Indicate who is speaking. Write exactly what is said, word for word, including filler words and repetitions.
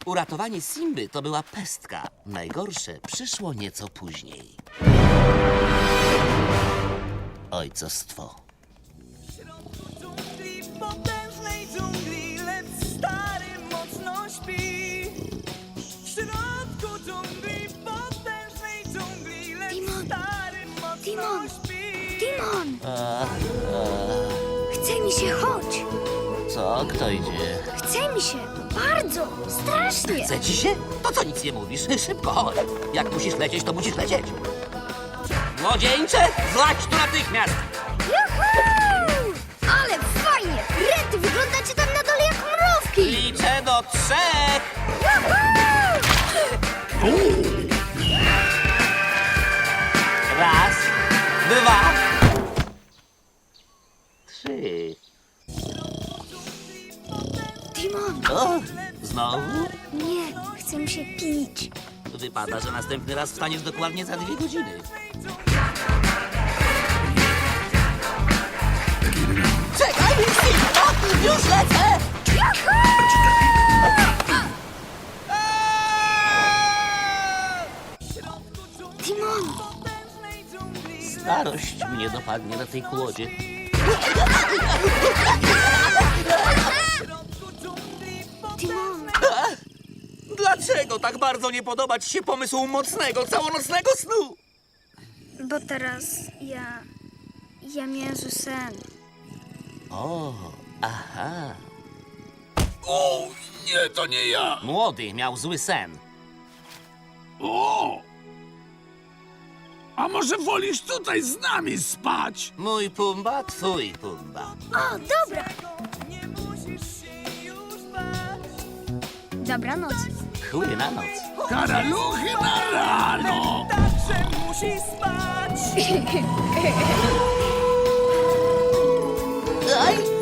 Speaker 1: Uratowanie Simby to była pestka. Najgorsze przyszło nieco później. Ojcostwo.
Speaker 2: W dżungli, w potężnej dżungli, lecz stary mocno śpi. W środku dżungli, w potężnej dżungli, lecz
Speaker 3: Timon!
Speaker 2: stary mocno
Speaker 3: Timon!
Speaker 2: śpi.
Speaker 3: Timon!
Speaker 1: A, a,
Speaker 3: Chce mi się, chodź!
Speaker 1: co? Kto idzie?
Speaker 3: Chce mi się! Bardzo! Strasznie!
Speaker 1: Chce ci się? To co nic nie mówisz? Szybko chodź. Jak musisz lecieć, to musisz lecieć. Młodzieńcze, zlać tu natychmiast!
Speaker 3: Juhu! Ale fajnie! Rety, wyglądacie tam na dole jak mrówki!
Speaker 1: Liczę do trzech!
Speaker 3: Juhu!
Speaker 1: Raz, dwa, trzy.
Speaker 3: Timon!
Speaker 1: O, znowu?
Speaker 3: Nie, chce mi się pić.
Speaker 1: Wypada, że następny raz wstaniesz dokładnie za dwie godziny. Czekaj, Simba! Już lecę!
Speaker 3: Timon!
Speaker 1: Starość mnie dopadnie na tej kłodzie.
Speaker 3: Timon!
Speaker 1: Dlaczego tak bardzo nie podoba ci się pomysł mocnego, całonocnego snu?
Speaker 3: Bo teraz ja... ja miałem sen.
Speaker 1: O, aha.
Speaker 4: O, nie, to nie ja.
Speaker 1: Młody miał zły sen.
Speaker 4: O! A może wolisz tutaj z nami spać?
Speaker 1: Mój Pumba, twój Pumba.
Speaker 3: O, dobra!
Speaker 2: Nie musisz się już bać.
Speaker 3: Dobranoc.
Speaker 1: Chuj na noc.
Speaker 4: Karaluchy na rano!
Speaker 2: Także musi spać.
Speaker 1: Aj!